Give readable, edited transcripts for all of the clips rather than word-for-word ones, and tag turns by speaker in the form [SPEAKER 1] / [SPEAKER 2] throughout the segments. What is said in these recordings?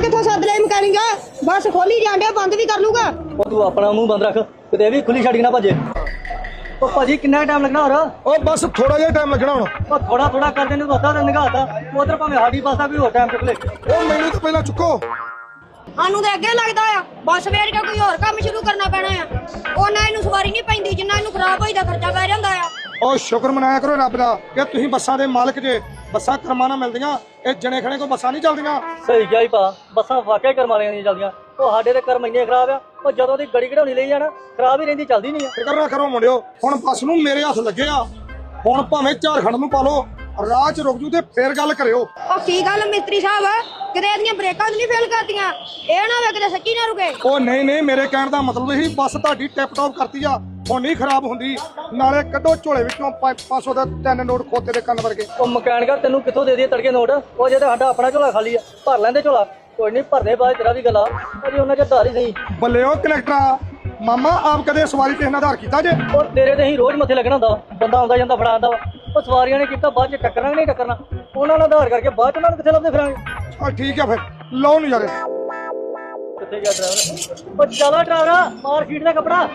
[SPEAKER 1] ਕਿੱਥੋਂ ਸੱਦ ਲਿਆ ਮਕੈਨਿਕ ਬਸ ਖੋਲੀ ਜਾਂਦੇ ਬੰਦ ਵੀ ਕਰ ਲੂਗਾ
[SPEAKER 2] ਉਹ ਤੂੰ ਆਪਣਾ ਮੂੰਹ ਬੰਦ ਰੱਖ ਕਿਤੇ ਵੀ ਖੁੱਲੀ ਛੱਡ ਕੇ ਨਾ ਭੱਜੇ ਉਹ ਭਾਜੀ ਕਿੰਨਾ ਟਾਈਮ ਲੱਗਣਾ ਹੋਰ
[SPEAKER 3] ਉਹ ਬਸ ਥੋੜਾ ਜਿਹਾ ਟਾਈਮ ਲੱਗਣਾ ਹੁਣ।
[SPEAKER 2] ਉਹ ਥੋੜਾ ਥੋੜਾ ਕਰਦੇ ਨੇ ਅੱਧਾ ਦਿਨ ਨਿਗਾਹਤਾ ਉਧਰ ਭਾਵੇਂ ਸਾਡੀ ਬੱਸ ਆ ਕੋਈ ਹੋਰ ਟਾਈਮ ਚੁੱਕ ਲੈ
[SPEAKER 3] ਉਹ ਮੈਨੂੰ ਤਾਂ ਪਹਿਲਾਂ ਚੁੱਕੋ।
[SPEAKER 1] ਸਾਨੂੰ ਤਾਂ ਅੱਗੇ ਲੱਗਦਾ ਆ ਬੱਸ ਵੇਚ ਕੇ ਕੋਈ ਹੋਰ ਕੰਮ ਸ਼ੁਰੂ ਕਰਨਾ ਪੈਣਾ ਆ ਉਹਨਾਂ ਇਹਨੂੰ ਸਵਾਰੀ ਨਹੀਂ ਪੈਂਦੀ ਜਿੰਨਾ ਇਹਨੂੰ ਖਰਾਬ ਹੋਈ ਦਾ ਖਰਚਾ ਪੈ ਜਾਂਦਾ ਆ।
[SPEAKER 3] ਉਹ ਸ਼ੁਕਰ ਮਨਾਇਆ ਕਰੋ ਰੱਬ ਦਾ ਕਿ ਤੁਸੀਂ ਬੱਸਾਂ ਦੇ ਮਾਲਕ ਜੇ। ਬੱਸਾਂ ਕਰਮਾਂ ਨਾਲ ਮਿਲਦੀਆਂ, ਇਹ ਜਣੇ ਖਣੇ ਕੋ ਬੱਸਾਂ ਨਹੀਂ ਚੱਲਦੀਆਂ।
[SPEAKER 2] ਸਹੀ ਗਿਆ ਹੀ ਭਾ ਬੱਸਾਂ ਵਾਕਿਆ ਕਰਮ ਵਾਲੀਆਂ ਨਹੀਂ ਚੱਲਦੀਆਂ ਉਹ ਸਾਡੇ ਤੇ ਕਰਮ ਇੰਨੇ ਖਰਾਬ ਆ ਉਹ ਜਦੋਂ ਦੀ ਗੜੀ ਘੜਾਉਣੀ ਲਈ ਜਾਣਾ ਖਰਾਬ ਹੀ ਰਹਿੰਦੀ ਚੱਲਦੀ ਨਹੀਂ ਆ।
[SPEAKER 3] ਫਿਕਰ ਨਾ ਕਰੋ ਮੁੰਡਿਓ, ਹੁਣ ਬੱਸ ਨੂੰ ਮੇਰੇ ਹੱਥ ਲੱਗੇ ਆ। ਹੁਣ ਭਾਵੇਂ ਝਾਰਖੰਡ ਨੂੰ ਪਾ ਲਓ, ਰਾਹ 'ਚ ਰੁਕ ਜੂ ਤੇ ਫੇਰ ਗੱਲ ਕਰਿਓ।
[SPEAKER 1] ਉਹ ਕੀ ਗੱਲ ਮਿਸਤਰੀ ਸਾਹਿਬ ਕਿਤੇ ਇਹਦੀਆਂ ਬ੍ਰੇਕਾਂ ਨਹੀਂ ਫੇਲ ਕਰਦੀਆਂ ਇਹ ਨਾ ਹੋਵੇ ਕਿਤੇ ਸੱਚੀ ਨਾ ਰੁਕੇ।
[SPEAKER 3] ਉਹ ਨਹੀਂ ਮੇਰੇ ਕਹਿਣ ਦਾ ਮਤਲਬ ਸੀ ਬੱਸ ਤੁਹਾਡੀ ਟਿਪ ਟੌਪ ਕਰਤੀ ਆ, ਹੁਣ ਨਹੀਂ ਖਰਾਬ ਹੁੰਦੀ। ਨਾਲੇ ਕੱਢੋ ਝੋਲੇ ਵਿੱਚੋਂ 500 ਦਾ 3 ਨੋਟ ਖੋਤੇ ਦੇ ਕੰਨ ਵਰਗੇ।
[SPEAKER 2] ਉਹ ਮਕੈਨਿਕਾ ਤੈਨੂੰ ਕਿੱਥੋਂ ਦੇ ਦਈਏ ਤੜਕੇ ਨੋਟ ਉਹ ਜੇ ਸਾਡਾ ਆਪਣਾ ਝੋਲਾ ਖਾਲੀ ਆ ਭਰ ਲੈਂਦੇ ਝੋਲਾ ਕੋਈ ਨਹੀਂ ਭਰਦੇ ਬਾਅਦ ਤੇਰਾ ਵੀ ਗੱਲਾਂ ਅਜੇ ਉਹਨਾਂ ਚ ਧਾਰ ਹੀ ਸਹੀ।
[SPEAKER 3] ਬੱਲੇ ਉਹ ਕਨੈਕਟਰਾ ਮਾਮਾ ਆਪ ਕਦੇ ਸਵਾਰੀ ਤੇ ਆਧਾਰ ਕੀਤਾ ਜੇ?
[SPEAKER 2] ਉਹ ਤੇਰੇ ਤੇ ਹੀ ਰੋਜ਼ ਮੱਥੇ ਲੱਗਣਾ ਹੁੰਦਾ ਬੰਦਾ ਆਉਂਦਾ ਜਾਂਦਾ ਫੜਾ ਆਉਂਦਾ ਵਾ ਉਹ ਸਵਾਰੀਆਂ ਨੇ ਕੀਤਾ ਬਾਅਦ ਚ ਟੱਕਰਨਾ ਨਹੀਂ ਟੱਕਰਨਾ ਉਹਨਾਂ ਨਾਲ ਆਧਾਰ ਕਰਕੇ ਬਾਅਦ ਚ ਉਹਨਾਂ ਨੂੰ ਕਿੱਥੇ ਲੱਭਦੇ ਫਿਰਾਂਗੇ।
[SPEAKER 3] ਆ ਠੀਕ ਆ ਫਿਰ ਲਓ ਨਜ਼ਾਰੇ।
[SPEAKER 2] ਕਿੱਥੇ ਗਿਆ ਡਰਾਈਵਰ ਉਹ ਚਲਾ ਡਰਾਈਵਰਾ ਮਾਰ ਸ਼ੀਟ ਦਾ ਕੱਪੜਾ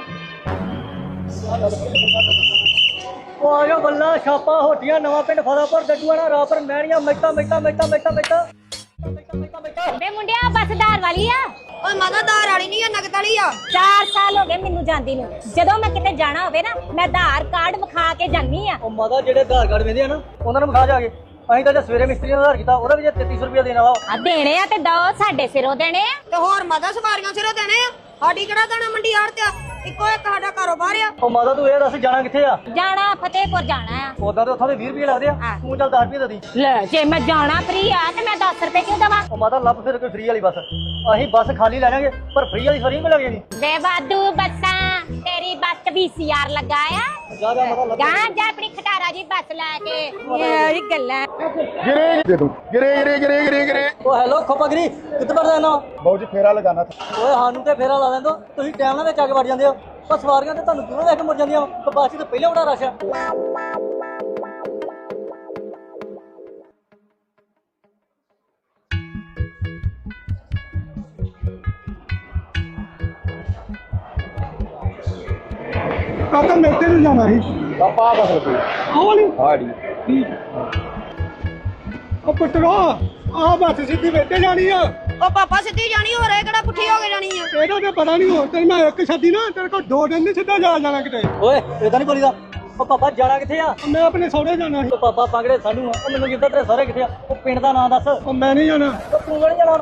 [SPEAKER 2] ਉਹ ਆ ਗਿਆ ਬੱਲਾ ਛਾਪਾ ਹੋਟੀਆਂ ਨਵਾਂ ਪਿੰਡ ਫਾਦਾਪੁਰ ਡੱਡੂਆਣਾ ਰਾਪਰ ਮਹਿਣੀਆਂ ਮਿੱਟਾ
[SPEAKER 4] ਬੇ ਮੁੰਡਿਆ ਬੱਸਦਾਰ ਵਾਲੀ ਆ
[SPEAKER 1] ਓਏ ਮਾਦਾ ਧਾਰ ਵਾਲੀ ਨਹੀਂ ਆ ਨਗਦ ਵਾਲੀ ਆ।
[SPEAKER 4] 4 ਸਾਲ ਹੋ ਗਏ ਮੈਨੂੰ ਜਾਂਦੀ ਨੂੰ ਜਦੋਂ ਮੈਂ ਕਿਤੇ ਜਾਣਾ ਹੋਵੇ ਨਾ ਮੈਂ ਆਧਾਰ ਕਾਰਡ ਵਿਖਾ ਕੇ ਜਾਂਦੀ ਆ।
[SPEAKER 2] ਉਹ ਮਾਤਾ ਜਿਹੜੇ ਆਧਾਰ ਕਾਰਡ ਵੇਂਦੇ ਆ ਨਾ ਉਹਨਾਂ ਨੂੰ ਵਿਖਾ ਜਾ ਕੇ ਅਸੀਂ ਤਾਂ ਜੇ ਸਵੇਰੇ ਮਿਸਤਰੀ ਨੇ ਆਧਾਰ ਕੀਤਾ ਉਹਦਾ ਵੀ ਜੇ 3300 ਰੁਪਇਆ ਦੇਣਾ ਵਾ
[SPEAKER 4] ਆ ਦੇਣੇ ਆ ਤੇ ਦੋ ਸਾਡੇ ਸਿਰੋਂ ਦੇਣੇ ਆ।
[SPEAKER 1] ਤੇ ਹੋਰ ਮਾਦਾ ਸਵਾਰੀਆਂ ਸਿਰੋਂ ਦੇਣੇ ਆ ਸਾਡੀ ਕਿਹੜਾ ਦਾਣਾ ਮੰਡੀ ਆੜ ਤੇ ਇੱਕੋ ਇੱਕ ਸਾਡਾ ਕਾਰੋਬਾਰ ਆ।
[SPEAKER 2] ਉਹ ਮਾਤਾ ਤੂੰ ਇਹ ਦੱਸ ਜਾਣਾ ਕਿੱਥੇ ਆ?
[SPEAKER 4] ਜਾਣਾ ਫਤਿਹਪੁਰ ਜਾਣਾ ਆ।
[SPEAKER 2] ਉਦਾਂ ਤੇ ਉੱਥੋਂ ਦੇ 20 ਰੁਪਏ ਲੱਗਦੇ ਆ ਤੂੰ ਚੱਲ 10 ਰੁਪਏ ਦੇ ਦੀ।
[SPEAKER 4] ਲੈ ਜੇ ਮੈਂ ਜਾਣਾ ਫ੍ਰੀ ਆ ਤੇ ਮੈਂ 10 ਰੁਪਏ ਕਿਉਂ ਦੇਵਾਂ?
[SPEAKER 2] ਉਹ ਮਾਤਾ ਲੱਭ ਫਿਰ ਕੋਈ ਫ੍ਰੀ ਵਾਲੀ ਬੱਸ ਅਸੀਂ ਬੱਸ ਖਾਲੀ ਲੈ ਜਾਾਂਗੇ ਪਰ ਫ੍ਰੀ ਵਾਲੀ ਫਰੀ ਮਿਲ ਜਾਣੀ।
[SPEAKER 4] ਵੇ ਵਾਧੂ ਬੱਸਾਂ ਤੇਰੀ ਬੱਸ VCR ਲੱਗਾ ਆ
[SPEAKER 2] ਜਾ ਮਾਤਾ ਲੱਭ
[SPEAKER 4] ਗਾਂ ਜਾ ਆਪਣੀ ਖਟਾਰਾ ਜੀ ਬੱਸ ਲੈ ਕੇ ਇਹ ਗੱਲਾਂ
[SPEAKER 3] ਗਿਰੇ ਦੇ ਦੋ ਗਿਰੇ।
[SPEAKER 2] ਉਹ ਹੈਲੋ ਖੋਪਾਗਰੀ ਕਿੱਥੇ ਵੜ ਜਾਣਾ?
[SPEAKER 3] ਬਹੁਤ ਜੀ ਫੇਰਾ ਲਗਾਣਾ
[SPEAKER 2] ਓਏ ਸਾਨੂੰ ਤੇ ਫੇਰਾ ਲਾ ਲੈਂਦੋ ਤੁਸੀਂ ਟਾਈਮ ਨਾਲ ਵਿੱਚ ਆ ਕੇ ਵੜ ਜਾਂਦੇ ਹੋ ਉਹ ਸਵਾਰੀਆਂ ਤੇ ਤੁਹਾਨੂੰ ਕਿਉਂ ਲੈ ਕੇ ਮੁੜ ਜਾਂਦੀਆਂ ਵਾ ਬੱਸ ਤੇ ਪਹਿਲਾਂ ਬੜਾ ਰਸ਼ ਆ।
[SPEAKER 3] ਕਾਕਾ ਮੇਤੇ ਨੂੰ ਜਾਣਾ ਸੀ ਪਾਪਾ ਬਸ ਲੱਗੀ ਆਹ ਵਾਲੀ ਹਾੜੀ ਠੀਕ। ਉਹ ਪੁੱਤਰਾ ਆ ਬੱਸ ਸਿੱਧੀ ਮੇਤੇ ਜਾਣੀ ਆ।
[SPEAKER 1] ਉਹ ਪਾਪਾ ਸਿੱਧੀ ਜਾਣੀ ਹੋ ਰਿਹਾ ਕਿਹੜਾ ਪੁੱਠੀ ਹੋ ਕੇ ਜਾਣੀ ਆ।
[SPEAKER 3] ਇਹਦਾ ਤੇ ਪਤਾ ਨਹੀਂ ਹੋਰ ਤੇ ਮੈਂ ਇੱਕ ਛੱਡੀ ਨਾ ਤੇਰੇ ਕੋਲ 2 ਦਿਨ ਨਹੀਂ ਸਿੱਧਾ ਜਾਣਾ ਕਿਤੇ।
[SPEAKER 2] ਓਏ ਇਦਾਂ ਨਹੀਂ ਬੋਲੀਦਾ ਉਹ ਪਾਪਾ ਜਾਣਾ ਕਿੱਥੇ ਆ?
[SPEAKER 3] ਮੈਂ ਆਪਣੇ ਸਹੁਰੇ ਜਾਣਾ ਸੀ।
[SPEAKER 2] ਉਹ ਪਾਪਾ ਪੰਗੜੇ ਸਾਨੂੰ ਆ ਉਹ ਮੈਨੂੰ ਕਿੱਦਾਂ ਤੇਰੇ ਸਾਰੇ ਕਿੱਥੇ ਆ ਉਹ ਪਿੰਡ ਦਾ ਨਾਂ ਦੱਸ।
[SPEAKER 3] ਉਹ ਮੈਂ ਨਹੀਂ ਜਾਣਾ।
[SPEAKER 2] ਉਹ ਤੂੰ ਨਹੀਂ ਜਾਣਾ